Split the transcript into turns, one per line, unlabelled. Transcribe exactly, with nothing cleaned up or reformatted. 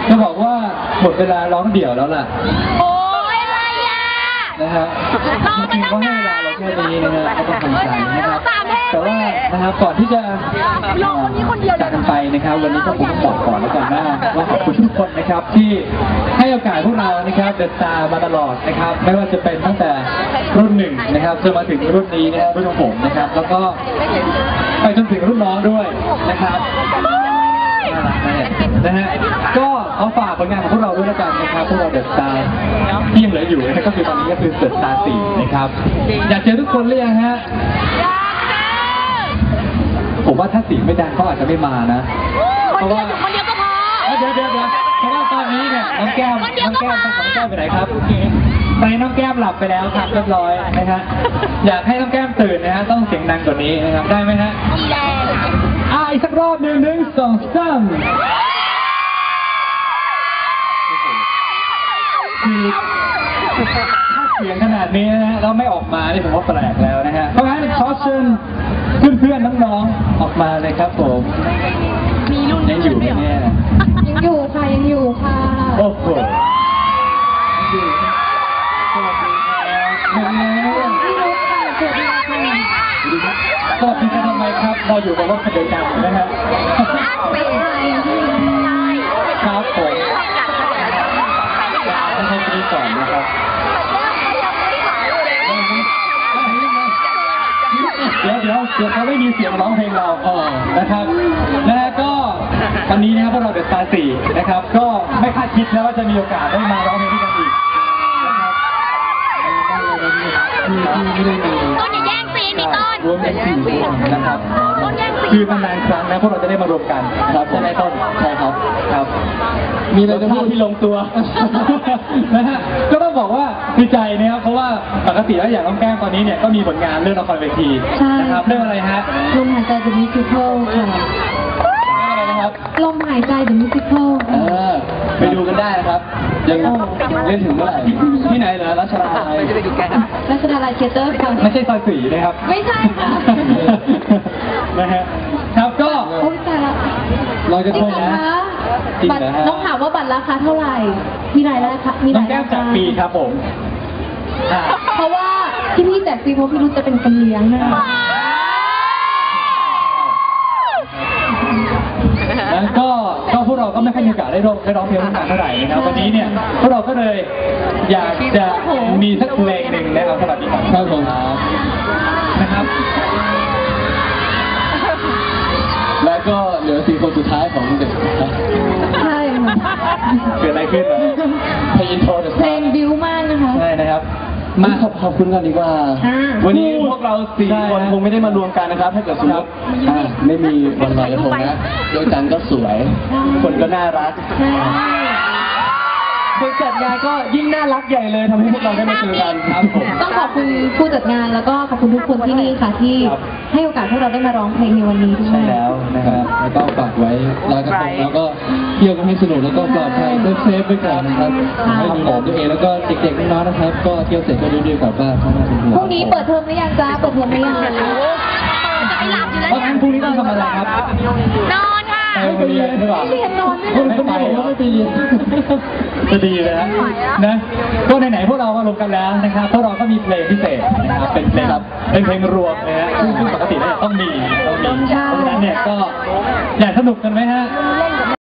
จะบอกว่าหมดเวลาร้องเดี่ยวแล้วล่ะ
โอ้ยอะไรอ่ะ
นะฮะจริงๆก็ให้เวลาเราแค่นี้นะฮะก็ต้องทำใจนะครับแต่ว่านะครับก่อนที่จะจากกันไปนะครับวันนี้ก็คงต้องบอกก่อนแล้วกันว่าว่าขอบคุณทุกคนนะครับที่ให้โอกาสพวกเรานะครับเดินตามมาตลอดนะครับไม่ว่าจะเป็นตั้งแต่รุ่นหนึ่งนะครับจนมาถึงรุ่นนี้นะครับรุ่นของผมนะครับแล้วก็ไปจนถึงรุ่นน้องด้วยนะครับน่ารักนะฮะก็เอาฝากผลงานของพวกเราด้วยแล้วกันนะครับพวกเราเดอะสตาร์ที่ยังเหลืออยู่นะครับก็คือตอนนี้ก็คือเดอะสตาร์สี่นะครับอยากเจอทุกคนหรือยังฮะผมว่าถ้าสีไม่ดังเขาอาจจะไม่มานะเพราะว่า
คนเดียวก็พอ
เดี๋ยวเดี๋ยวเดี๋ยวเพราะว่าตอนนี้เนี่ยน้องแก้มน้องแก้มต้องของแก้มไปไหนครับตอนนี้น้องแก้มหลับไปแล้วครับเรียบร้อยนะฮะอยากให้น้องแก้มตื่นนะฮะต้องเสียงดังกว่านี้นะครับได้ไหมฮะอ่าอีกสักรอบหนึ่งหนึ่งสองสามคือถ้าเสียงขนาดนี้นะฮะแล้วไม่ออกมานี่ผมว่าแปลกแล้วนะฮะเพราะงั้นขอเชิญเพื่อนๆน้องๆออกมาเลยครับผม
มีรุ่น
ยังอยู่ไหมเนี่ย
ยังอยู่ค่ะยังอยู่ค่ะ
โอ้โหอยู่สวัสดีครับเร็วๆสวัสดีค่ะสวัสดีค่ะทำไมครับเราอยู่กับรถคันเดียวกันนะฮะครับผมต้องให้ดีก่อนนะครับเดี๋ยวเดี๋ยวเดี๋ยวเขาไม่มีเสียงร้องเพลงเราอ๋อนะครับและก็วันนี้นะครับพวกเราเดอะสตาร์สี่นะครับก็ไม่คาดคิดนะว่าจะมีโอกาสได้มาร้องเพลงด้วยกันอีกนะครับที่ที่ไม่ได้มี
ต้นอย่าแย่งซีนมีต้น
รวมเป็นสี่วงนะครับคือนานๆครั้งนะพวกเราจะได้มารวมกันครับใช่ไหมต้นใช่ครับครับมีอะไรจะพูดที่ลงตัวนะฮะก็ต้องบอกว่าดีใจนะครับเพราะว่าปกติแล้วอย่างน้องแก้มตอนนี้เนี่ยก็มีผลงานเรื่องละครเวทีนะครับเรื่องอะไรฮะ
ลมหายใจ The Musical ค่ะ
อะไรนะครับ
ลมหายใจ The Musical
เออไปดูกันได้นะครับยังเล่นถึงเมื่อไหร่ที่ไหนเหรอรัชดาลัย
รัชดาลัยเทเตอร์ค่ะ
ไม่ใช่ซอยสี่นะครับ
ไม่ใช่ค่ะ
นะฮะครับก็
โอ้ยแต่ละ
เราจะทงนะ
บัตรน้องถามว่าบัตรราคาเท่าไหร่มีรายราคามีราย
ราคาน้องแก้มจากปีครับผม
เพราะว่าที่พี่แจกฟรีเพราะพี่รู้จะเป็นคนเลี้ยงนะ
แล้วก็ก็พวกเราก็ไม่ค่อยมีโอกาสได้ร้องได้ร้องเพลงนานเท่าไหร่นะครับวันนี้เนี่ยพวกเราก็เลยอยากจะมีสักเพลงหนึ่งนะครับสวัสดีครับครับผมนะครับแล้วก็เหลือสี่คนสุดท้ายของเด็ก
ใช่
เกิดอะไรขึ้นเพลงอินโทรเพ
ลงบิวมากนะคะ
ใช่นะครับมาขอบคุณกันดีกว่าวันนี้พวกเราสี่คนคงไม่ได้มารวมกันนะครับถ้าเกิดสมมติไม่มีวันลอยกระทงนะดวงจันทร์ก็สวยคนก็น่ารักคนจัดงานก็ยิ่งน่ารักใหญ่เลยทำให้พวกเราได้มาเจอกันครับผม
ต้องขอบคุณผู้จัดงานแล้วก็ขอบคุณทุกคนที่นี่ค่ะที่ให้โอกาสพวกเราได้มาร้องเพลงในวันนี้ด้วย
ใช่แล้วนะครับแล้วก็ฝากไว้ลอยกระทงแล้วก็เที่ยวกันให้สนุกแล้วก็ปลอดภัยเซฟๆไปก่อนนะครับให้ดูแลตัวเองแล้วก็เด็กๆน้องๆนะครับก็เที่ยวเสร็จก็รีบๆกลับบ้าน
พรุ่งนี้เปิดเทอมหรือยังจ้าเปิดเทอมหรือยัง
จะไม่หลับอยู่แล้ว
เพราะงั้นพรุ่งนี้ต้องทำอะไรครับ
นอนค่ะ
ไปเรียนหรือเปล่า
เรียนนอน
ไม่ไปก็ไม่ไปเรียนจะดีเลยนะนะก็ไหนๆพวกเรามารวมกันแล้วนะครับพวกเราก็มีเพลงพิเศษนะครับเป็นเพลงเป็นเพลงรวมนะฮะซึ่งปกติแล้วต้องมีต้องมีเพราะฉะนั้นเนี่ยก็อยากสนุกกันไหมฮะ